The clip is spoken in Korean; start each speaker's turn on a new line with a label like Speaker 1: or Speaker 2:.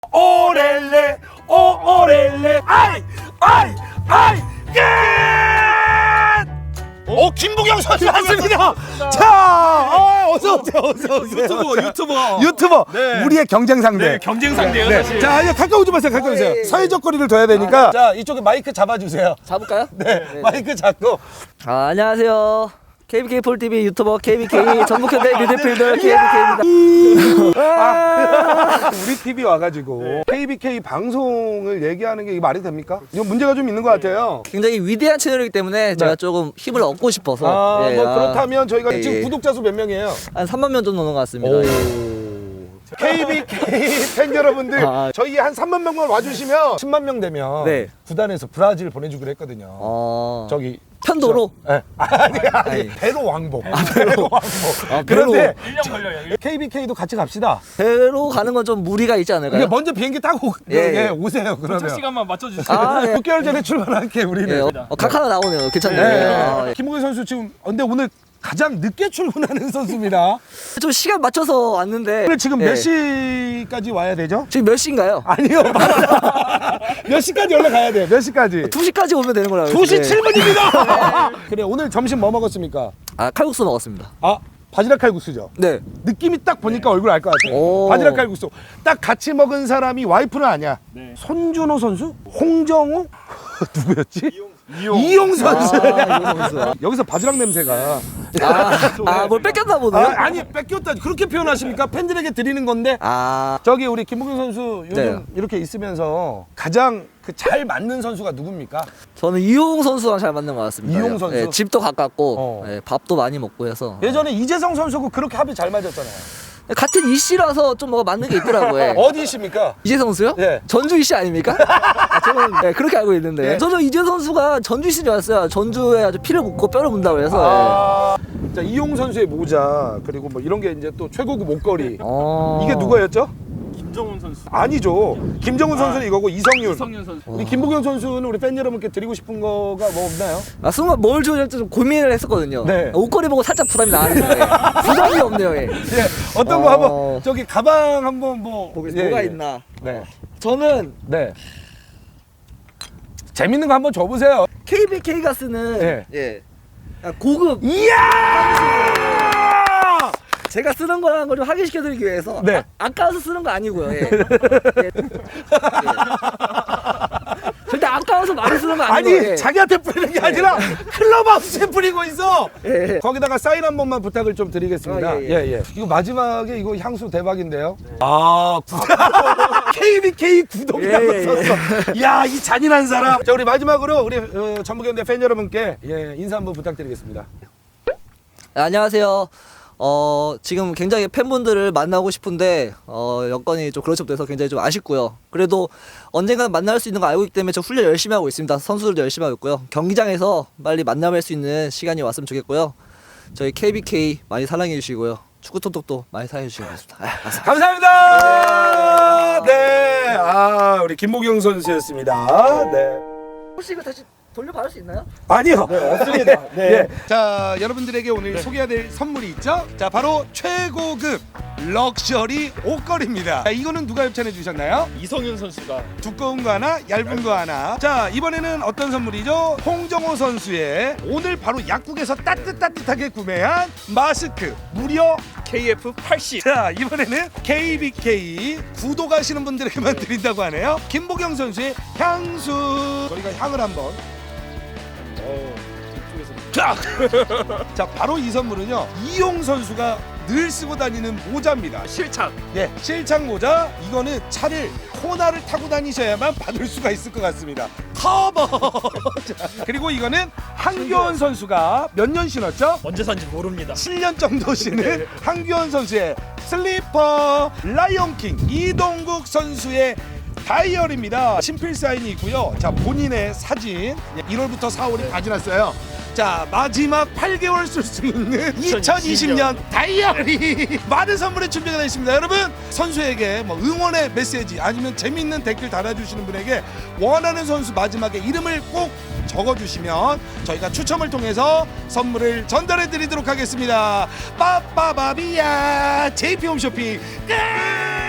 Speaker 1: 오렐레 오렐레 아이 끝! 김부경 선수 왔습니다. 자, 어서 오세요. 유튜버.
Speaker 2: 네.
Speaker 1: 우리의 경쟁 상대.
Speaker 2: 네, 경쟁 상대예요,
Speaker 1: 네.
Speaker 2: 사실.
Speaker 1: 자, 이제 가까이 오지 마세요. 가까이 오세요. 사회적 거리를 둬야 되니까. 자, 이쪽에 마이크 잡아주세요.
Speaker 3: 잡을까요?
Speaker 1: 네, 마이크 잡고.
Speaker 3: 안녕하세요. KBK 폴TV 유튜버 KBK 전북현대 미드필더 KBK입니다.
Speaker 1: 우리 TV 와가지고 KBK 방송을 얘기하는 게 이게 말이 됩니까? 이거 문제가 좀 있는 것 같아요.
Speaker 3: 굉장히 위대한 채널이기 때문에 제가 조금 힘을 얻고 싶어서
Speaker 1: 그렇다면 저희가 지금 구독자 수 몇 명이에요?
Speaker 3: 한 3만 명 정도 넘는 것 같습니다.
Speaker 1: KBK 팬 여러분들 저희 한 3만 명만 와주시면 10만 명 되면
Speaker 3: 네.
Speaker 1: 구단에서 브라질 보내주기로 했거든요. 저기
Speaker 3: 편도로?
Speaker 1: 아니. 배로 왕복. 배로 왕복. 그런데
Speaker 2: 1년 걸려요.
Speaker 1: KBK도 같이 갑시다.
Speaker 3: 배로 가는 건 좀 무리가 있지 않을까요?
Speaker 1: 먼저 비행기 타고 오세요. 그러면.
Speaker 2: 도착 시간만 맞춰주세요.
Speaker 1: 6개월 전에 출발할게 우리는.
Speaker 3: 각 하나 나오네요. 괜찮네요.
Speaker 1: 김우근 선수 지금 근데 오늘 가장 늦게 출근하는 선수입니다.
Speaker 3: 좀 시간 맞춰서 왔는데
Speaker 1: 오늘 지금 몇 시까지 와야 되죠?
Speaker 3: 지금 몇 시인가요?
Speaker 1: 아니요. 몇 시까지 올라가야 돼요? 몇 시까지?
Speaker 3: 2시까지 오면 되는 거라고.
Speaker 1: 2시 7분입니다. 그래, 오늘 점심 뭐 먹었습니까?
Speaker 3: 칼국수 먹었습니다.
Speaker 1: 바지락 칼국수죠.
Speaker 3: 네.
Speaker 1: 느낌이 딱 보니까 얼굴 알 것 같아요. 바지락 칼국수. 딱 같이 먹은 사람이 와이프는 아니야.
Speaker 2: 네.
Speaker 1: 손준호 선수? 홍정호? 누구였지? 이용 선수. 여기서 바지락 냄새가.
Speaker 3: 뭘 뺏겼나 보네요.
Speaker 1: 아니 뺏겼다. 그렇게 표현하십니까? 팬들에게 드리는 건데. 저기 우리 김부경 선수 요즘 이렇게 있으면서 가장 잘 맞는 선수가 누굽니까?
Speaker 3: 저는 이용 선수랑 잘 맞는 것 같습니다.
Speaker 1: 이용 선수?
Speaker 3: 네, 집도 가깝고 밥도 많이 먹고 해서.
Speaker 1: 예전에 이재성 선수하고 그렇게 합이 잘 맞았잖아요.
Speaker 3: 같은 이씨라서 좀 뭐가 맞는 게 있더라고요.
Speaker 1: 어디십니까?
Speaker 3: 이재성 선수요?
Speaker 1: 네.
Speaker 3: 전주 이씨 아닙니까? 저는 그렇게 알고 있는데. 저는 이재성 선수가 전주 이씨인 줄 알았어요. 전주에 아주 피를 묻고 뼈를 문다고 해서.
Speaker 1: 자, 이용 선수의 모자 그리고 뭐 이런 게 이제 또 최고급 목걸이. 이게 누구였죠?
Speaker 2: 김정훈 선수.
Speaker 1: 아니죠. 김정훈 선수는 이거고 이성윤
Speaker 2: 선수.
Speaker 1: 우리 김부경 선수는 우리 팬 여러분께 드리고 싶은 거가 뭐 없나요?
Speaker 3: 순간 뭘 줘야 할지 좀 고민을 했었거든요.
Speaker 1: 네.
Speaker 3: 옷걸이 보고 살짝 부담이 나는데 부담이 없네요. 예.
Speaker 1: 어떤 거 한번 저기 가방 한번 뭐
Speaker 3: 보겠습니다. 뭐가 있나?
Speaker 1: 네.
Speaker 3: 저는
Speaker 1: 재밌는 거 한번 줘보세요.
Speaker 3: KBK가 쓰는 고급
Speaker 1: 이야!
Speaker 3: 제가 쓰는 거라는 걸 좀 확인시켜드리기 위해서 아까워서 쓰는 거 아니고요. 절대 아까워서 많이 쓰는 거 아니고요.
Speaker 1: 아니 자기한테 뿌리는 게 아니라 클럽하우스에 뿌리고 있어. 거기다가 사인 한 번만 부탁을 좀 드리겠습니다. 이거 마지막에 이거 향수 대박인데요. KBK 구독이라고 썼어. 이야, 이 잔인한 사람. 자, 우리 마지막으로 우리 전북현대 팬 여러분께 인사 한번 부탁드리겠습니다.
Speaker 3: 안녕하세요. 지금 굉장히 팬분들을 만나고 싶은데 여건이 좀 그렇지 못해서 굉장히 좀 아쉽고요. 그래도 언젠간 만날 수 있는 거 알고 있기 때문에 저 훈련 열심히 하고 있습니다. 선수들도 열심히 하고 있고요. 경기장에서 빨리 만나뵐 수 있는 시간이 왔으면 좋겠고요. 저희 KBK 많이 사랑해 주시고요. 축구톡톡도 많이 사랑해 주시기 바랍니다.
Speaker 1: 감사합니다. 네, 우리 김보경 선수였습니다. 네.
Speaker 3: 혹시 이거 다시 돌려받을 수 있나요?
Speaker 1: 아니요. 없습니다. 자, 여러분들에게 오늘 소개해드릴 선물이 있죠? 자, 바로 최고급 럭셔리 옷걸이입니다. 자, 이거는 누가 협찬해 주셨나요?
Speaker 2: 이성윤 선수가.
Speaker 1: 두꺼운 거 하나, 얇은 거 하나. 자, 이번에는 어떤 선물이죠? 홍정호 선수의 오늘 바로 약국에서 따뜻하게 구매한 마스크 무려
Speaker 2: KF80.
Speaker 1: 자, 이번에는 KBK 구독하시는 분들에게만 드린다고 하네요. 김보경 선수의 향수. 저희가 향을 한번. 자, 바로 이 선물은요, 이용 선수가 늘 쓰고 다니는 모자입니다.
Speaker 2: 실착.
Speaker 1: 실착 모자. 이거는 차를 코나를 타고 다니셔야만 받을 수가 있을 것 같습니다. 커버. 자, 그리고 이거는 한규원 선수가 몇 년 신었죠?
Speaker 2: 언제 산지 모릅니다.
Speaker 1: 7년 정도 신은 한규원 선수의 슬리퍼. 라이온킹 이동국 선수의 다이어리입니다. 친필 사인이 있고요. 자, 본인의 사진. 1월부터 4월이 다 지났어요. 자, 마지막 8개월 쓸 수 있는 2020년 다이어리. 많은 선물의 준비가 되어 있습니다. 여러분, 선수에게 뭐 응원의 메시지 아니면 재밌는 댓글 달아주시는 분에게 원하는 선수 마지막에 이름을 꼭 적어주시면 저희가 추첨을 통해서 선물을 전달해 드리도록 하겠습니다. 빠빠바비야 JP 홈쇼핑 끝.